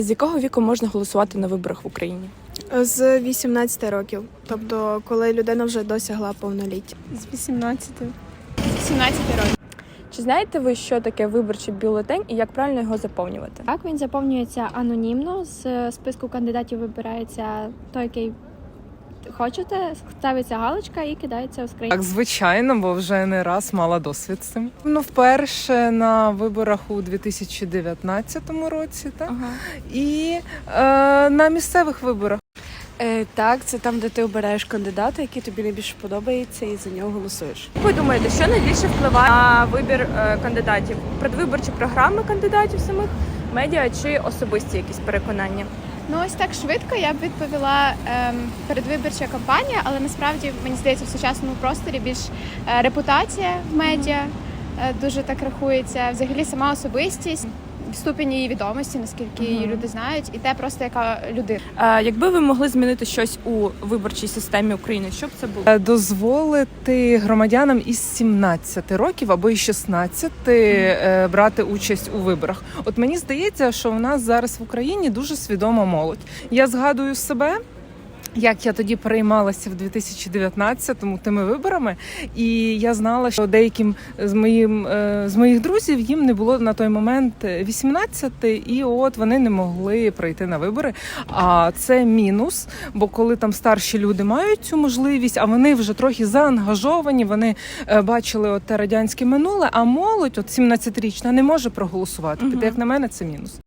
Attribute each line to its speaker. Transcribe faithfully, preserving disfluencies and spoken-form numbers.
Speaker 1: З якого віку можна голосувати на виборах в Україні?
Speaker 2: З вісімнадцяти років, тобто коли людина вже досягла повноліття.
Speaker 3: З вісімнадцяти.
Speaker 4: З сімнадцяти років.
Speaker 1: Чи знаєте ви, що таке виборчий бюлетень і як правильно його заповнювати?
Speaker 5: Так, він заповнюється анонімно, з списку кандидатів вибирається той, який хочете, ставиться галочка і кидається у скриньку.
Speaker 6: Так, звичайно, бо вже не раз мала досвід з цим. Ну, вперше на виборах у дві тисячі дев'ятнадцятому році, так?
Speaker 1: Ага.
Speaker 6: І е, на місцевих виборах.
Speaker 3: Е, так, це там, де ти обираєш кандидата, який тобі найбільше подобається, і за нього голосуєш.
Speaker 1: Ви думаєте, що найбільше впливає на вибір е, кандидатів? Предвиборчі програми кандидатів самих, медіа чи особисті якісь переконання?
Speaker 4: Ну ось так швидко я б відповіла ем, передвиборча кампанія, але насправді мені здається, в сучасному просторі більш е, репутація в медіа е, дуже так рахується. Взагалі сама особистість, ступінь її відомості, наскільки її люди знають, і те просто яка людина.
Speaker 1: Е, якби ви могли змінити щось у виборчій системі України, що б це було?
Speaker 6: Е, Дозволити громадянам із сімнадцяти років або із шістнадцяти е, брати участь у виборах. От мені здається, що в нас зараз в Україні дуже свідома молодь. Я згадую себе, як я тоді переймалася в дві тисячі дев'ятнадцятому тими виборами, і я знала, що деяким з моїм е, з моїх друзів їм не було на той момент вісімнадцяти, і от вони не могли прийти на вибори. А це мінус, бо коли там старші люди мають цю можливість, а вони вже трохи заангажовані, вони е, бачили от те радянське минуле, а молодь, от сімнадцятирічна, не може проголосувати. Тобто, як на мене, це мінус.